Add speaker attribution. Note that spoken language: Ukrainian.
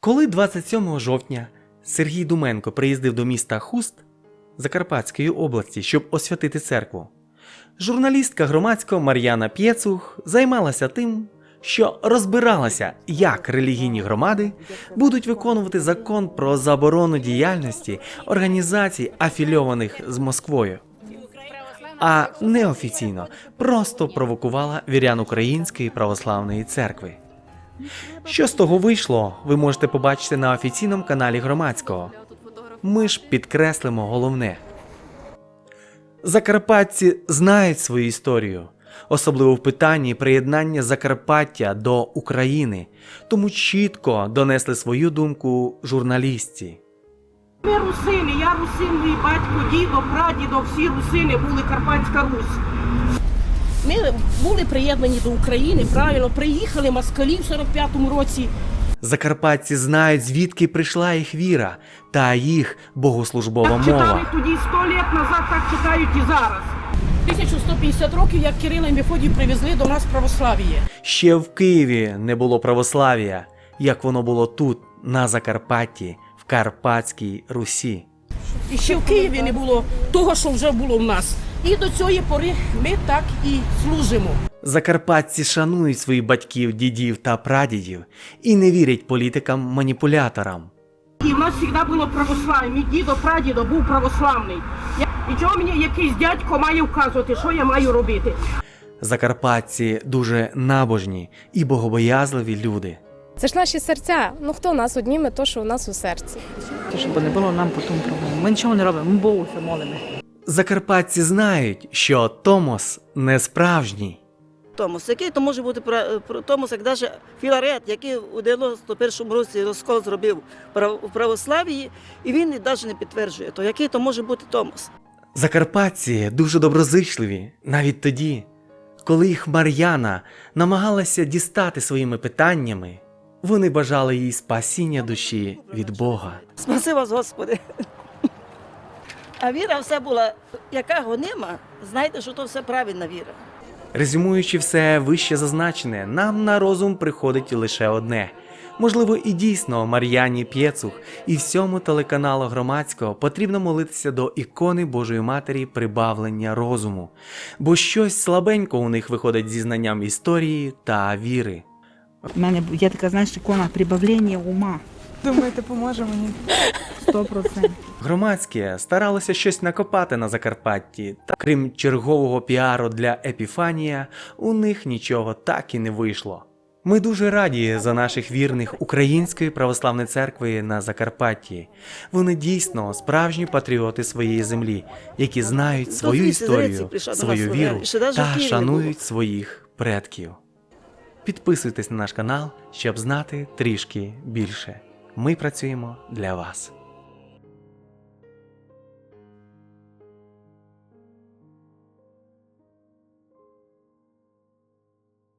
Speaker 1: Коли 27 жовтня Сергій Думенко приїздив до міста Хуст Закарпатської області, щоб освятити церкву, журналістка громадського Мар'яна Пєцух займалася тим, що розбиралася, як релігійні громади будуть виконувати закон про заборону діяльності організацій, афільованих з Москвою. А неофіційно просто провокувала вірян Української православної церкви. Що з того вийшло, ви можете побачити на офіційному каналі Громадського. Ми ж підкреслимо головне. Закарпатці знають свою історію, особливо в питанні приєднання Закарпаття до України, тому чітко донесли свою думку журналістці.
Speaker 2: Ми русини, я русин, мій батько, дідо, прадідо, всі русини були Карпатська Русь. Ми були приєднані до України, правильно, приїхали москалі в 45-му році.
Speaker 1: Закарпатці знають, звідки прийшла їх віра та їх богослужбова
Speaker 2: Так читали
Speaker 1: мова.
Speaker 2: тоді 100 років назад, так читають і зараз. 1150 років, як Кирила і Мефодій привезли до нас православ'я.
Speaker 1: Ще в Києві не було православ'я, як воно було тут, на Закарпатті, в Карпатській Русі.
Speaker 2: І ще в Києві не було того, що вже було в нас. І до цієї пори ми так і служимо.
Speaker 1: Закарпатці шанують своїх батьків, дідів та прадідів і не вірять політикам-маніпуляторам.
Speaker 2: І в нас завжди було православ'я. Мій дідо, прадідо був православний. І чого мені якийсь дядько має вказувати, що я маю робити?
Speaker 1: Закарпатці дуже набожні і богобоязливі люди.
Speaker 3: Це ж наші серця. Ну хто нас одніме, то що у нас у серці.
Speaker 4: Щоб не було нам потім проблем. Ми нічого не робимо, ми Богу все молимо.
Speaker 1: Закарпатці знають, що Томос не справжній.
Speaker 5: Томос, який то може бути Томос, як навіть Філарет, який у 91-му році розкол зробив у православ'ї, і він навіть не підтверджує, то який то може бути Томос.
Speaker 1: Закарпатці дуже доброзичливі, навіть тоді, коли їх Мар'яна намагалася дістати своїми питаннями, вони бажали їй спасіння душі від Бога.
Speaker 5: Спаси вас, Господи. А віра все була, яка гонима, знайте, що то все правильна віра.
Speaker 1: Резюмуючи все вище зазначене, нам на розум приходить лише одне. Можливо, і дійсно Мар'яні Пєцух і всьому телеканалу Громадського потрібно молитися до ікони Божої Матері прибавлення розуму, бо щось слабенько у них виходить зі знанням історії та віри.
Speaker 4: У мене є така, знаєш, ікона прибавлення ума.
Speaker 6: Думаєте, поможе мені?
Speaker 4: 100%.
Speaker 1: Громадське старалося щось накопати на Закарпатті, та крім чергового піару для Епіфанія, у них нічого так і не вийшло. Ми дуже раді за наших вірних Української православної церкви на Закарпатті. Вони дійсно справжні патріоти своєї землі, які знають свою історію, свою віру та шанують своїх предків. Підписуйтесь на наш канал, щоб знати трішки більше. Ми працюємо для вас.